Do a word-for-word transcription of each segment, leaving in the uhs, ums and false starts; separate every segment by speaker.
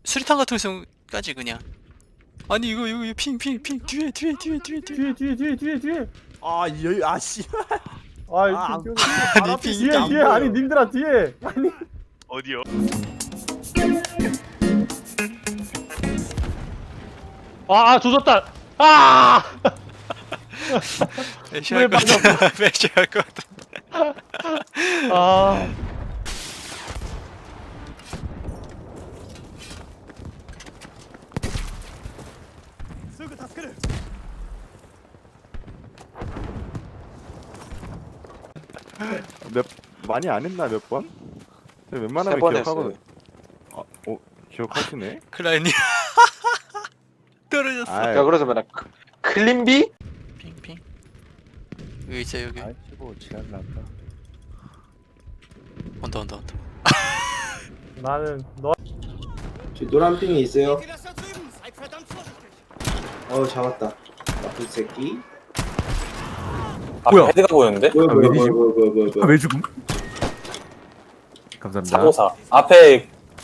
Speaker 1: 수리탄 같은 거 있으면까지 그냥. 아니 이거 이거 이거 핑핑핑 뒤에 뒤에 뒤에 뒤에 뒤에.
Speaker 2: 뒤에 뒤에 뒤에 뒤에 뒤에.
Speaker 3: 아 여기 아씨.
Speaker 2: 아,
Speaker 3: 아,
Speaker 2: 이 핑-
Speaker 1: 아니 핑
Speaker 2: 뒤에 뒤에 아니 님들아 뒤에. 아니.
Speaker 4: 어디요?
Speaker 2: 아, 조졌다. 아!
Speaker 1: 매시할 것 같아. 매시할 것 같아.
Speaker 2: 아.
Speaker 3: 몇 많이 안 했나 몇 번? 근데 웬만하면
Speaker 5: 세번
Speaker 3: 기억하거든.
Speaker 5: 했어요.
Speaker 3: 아, 어 기억하시네?
Speaker 1: 클라이님 떨어졌어.
Speaker 3: 아,
Speaker 5: 야 그래서 맨날 크- 클린비?
Speaker 1: 핑핑. 여기 있어 여기.
Speaker 3: 아이고 지랄났다.
Speaker 1: 온다 온다 온다.
Speaker 2: 나는 너
Speaker 6: 저 노란 핑이 있어요. 어 잡았다. 나쁜 새끼.
Speaker 5: 아,
Speaker 3: 뭐야?
Speaker 5: 헤드가 보였는데?
Speaker 6: 뭐야
Speaker 3: 아,
Speaker 6: 뭐야
Speaker 3: 왜
Speaker 6: 뭐야
Speaker 3: 뒤집-
Speaker 6: 뭐야 뭐야 뭐야.
Speaker 3: 아, 왜 죽음? 감사합니다.
Speaker 5: 사고사 앞에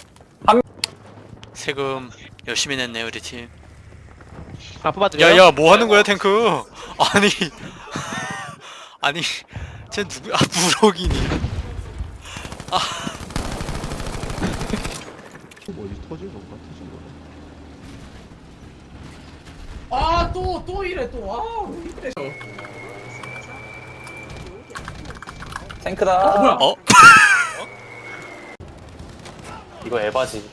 Speaker 1: 세금 열심히 냈네 우리 팀.
Speaker 2: 다 뽑아드려요?
Speaker 1: 야야 뭐 하는 거야 탱크? 아니 아니 쟤 누구? 아 무럭이니.
Speaker 3: 어디 터진 건가? 터진 거.
Speaker 7: 아, 또, 또 이래, 또. 아, 왜 이래.
Speaker 5: 탱크다.
Speaker 7: 어, 뭐야?
Speaker 1: 어?
Speaker 5: 이거 에바지.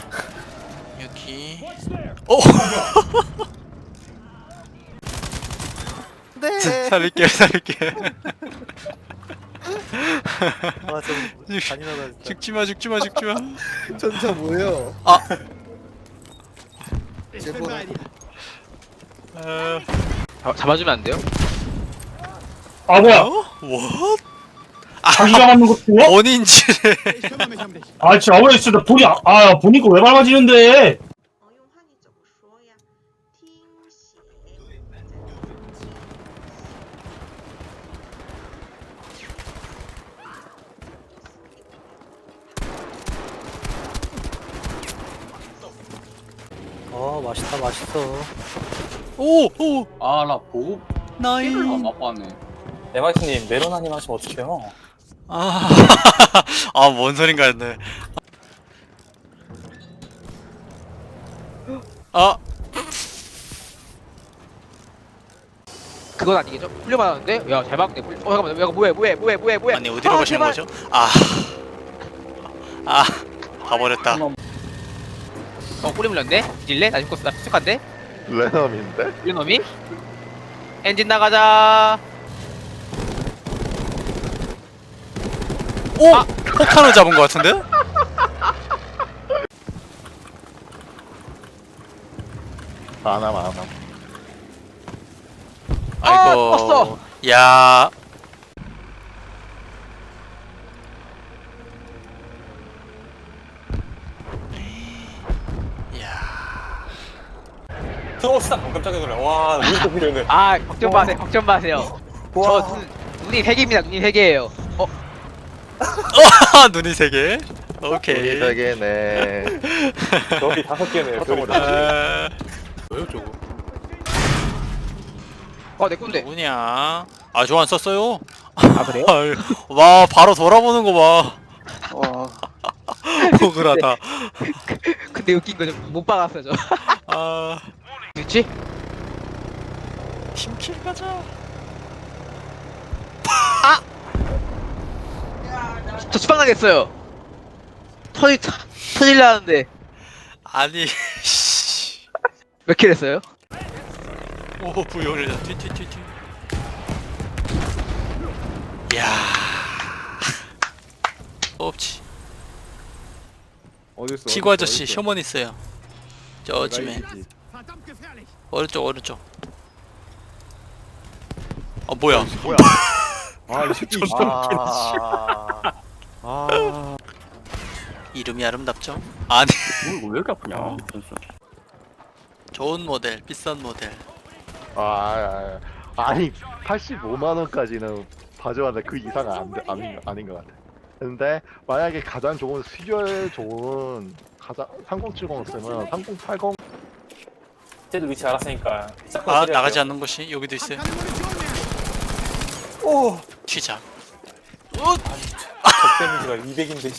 Speaker 1: 여기. 어? 네. 살릴게 살릴게.
Speaker 3: 아좀 잔인하다 진짜.
Speaker 1: 죽지 마 죽지 마 죽지 마.
Speaker 3: 전차 뭐예요?
Speaker 1: 아.
Speaker 3: 제발.
Speaker 1: 아.
Speaker 8: 아, 잡아주면 안 돼요?
Speaker 2: 아, 뭐야?
Speaker 1: 어? 뭐? 아,
Speaker 2: 자기가 맞는 거 좋아?
Speaker 1: 본인지를.
Speaker 2: 아, 진짜 왜 진짜 본이 아, 아 보니까 왜 밟아지는데?
Speaker 9: 哦，用汉语怎么说呀？听写。
Speaker 3: 어 맛있다 맛있어.
Speaker 1: 오 오.
Speaker 5: 아 나 보고
Speaker 1: 나이.
Speaker 5: 맛봤네. 에마이트님 메로나님 하시면 어떡해요?
Speaker 1: 아. 아, 뭔 소린가 했네. 아.
Speaker 8: 그건 아니겠죠? 훈련받았는데? 야, 잘 막네. 훈련- 어, 잠깐만. 야, 뭐해, 뭐해, 뭐해, 뭐해, 뭐해.
Speaker 1: 아니 어디로
Speaker 8: 아,
Speaker 1: 가시는
Speaker 8: 제발.
Speaker 1: 거죠? 아. 아. 가버렸다.
Speaker 8: 어, 꼬리 물렸네? 딜래? 나 죽었어. 나 픽한데?
Speaker 3: 레넘인데?
Speaker 8: 이놈이? 엔진 나가자.
Speaker 1: 오! 폭탄을 잡은 것 같은데?
Speaker 3: 안함 안함.
Speaker 8: 아,
Speaker 1: 아이고.
Speaker 8: 죽었어.
Speaker 1: 야. 야.
Speaker 5: 어 스탑 깜짝이야 그래. 와 무슨 필요네.
Speaker 8: 아, 걱정 마세요. 걱정 마세요. 저 눈, 눈이 세 개입니다. 눈이 세 개예요. 어,
Speaker 1: 눈이 세 개. 오케이.
Speaker 3: 되게네.
Speaker 5: 여기 다섯 개네요. 별이 다.
Speaker 1: 아,
Speaker 4: 뭐요 저거?
Speaker 8: 어, 내 건데.
Speaker 1: 누구냐? 아, 저 안 썼어요.
Speaker 8: 아, 그래요?
Speaker 1: 아유, 와, 바로 돌아보는 거 봐.
Speaker 8: 어.
Speaker 1: 억울하다.
Speaker 8: 근데 웃긴 거죠. 못 박았어요, 저.
Speaker 1: 아,
Speaker 8: 그렇지?
Speaker 1: 팀킬 가자.
Speaker 8: 저 수박 나겠어요. 터질, 터- 터질라는데.
Speaker 1: 아니, 씨.
Speaker 8: 몇 킬 했어요?
Speaker 1: 오, 부여를 튀튀튀튀. 야. 없지.
Speaker 3: 어디 있어?
Speaker 1: 치구 아저씨 셔먼 있어요. 저쯤에. 오른쪽 오른쪽. 어 뭐야?
Speaker 3: 뭐야? 아이 새끼. 아. 아.
Speaker 1: 이름이 아름답죠? 아니
Speaker 3: 뭘 왜 이렇게 아프냐?
Speaker 1: 좋은 모델, 비싼 모델.
Speaker 3: 아, 아, 아 아니 팔십오만 원까지는 봐줘야 그 이상은 안, 돼- 아닌, 아닌 것 같아. 근데 만약에 가장 좋은 수율 좋은 가자. 삼공칠공 쓰면 삼공팔공.
Speaker 5: 쟤들 위치 알았으니까.
Speaker 1: 아 나가지 않는 것이 여기도 있어요.
Speaker 5: 오.
Speaker 1: 튀자.
Speaker 5: 적 데미지가 이백인데.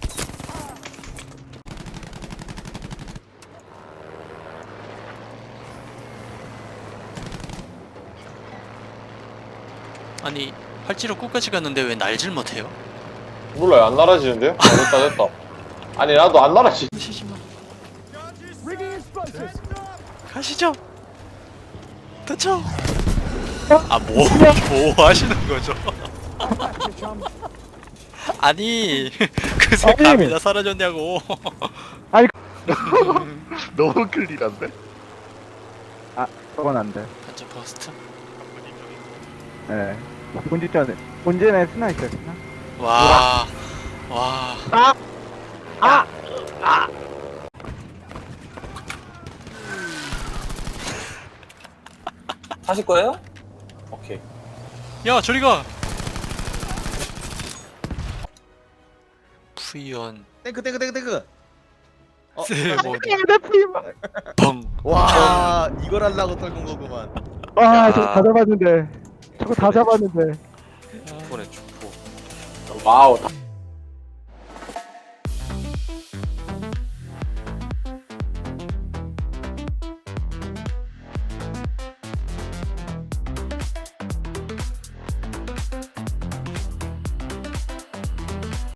Speaker 1: 아니 활지로 끝까지 갔는데 왜 날질 못해요?
Speaker 4: 몰라요. 안 날아지는데요? 아, 됐다 됐다. 아니 나도 안 날아지.
Speaker 1: 가시지 마. 가시죠. 그쵸? 아뭐 뭐 하시는 거죠? 아니 그새 감이 다 사라졌냐고.
Speaker 3: 너무 클리한데?
Speaker 10: 그건 안 돼.
Speaker 1: 완전 버스트.
Speaker 10: 네. 본질전에 본진에 스나 있어요. 스나.
Speaker 1: 와. 와.
Speaker 5: 사실 거예요? 오케이.
Speaker 1: 야 저리 가. 푸이언.
Speaker 11: 탱크 탱크 탱크 탱크. 어,
Speaker 1: 세모.
Speaker 10: 내 프리마.
Speaker 1: 펑.
Speaker 11: 와 이걸 하려고 떨군 거구만.
Speaker 10: 와, 저거 다 잡았는데. 저거 다 잡았는데.
Speaker 5: 축포네 축포.
Speaker 4: 와우.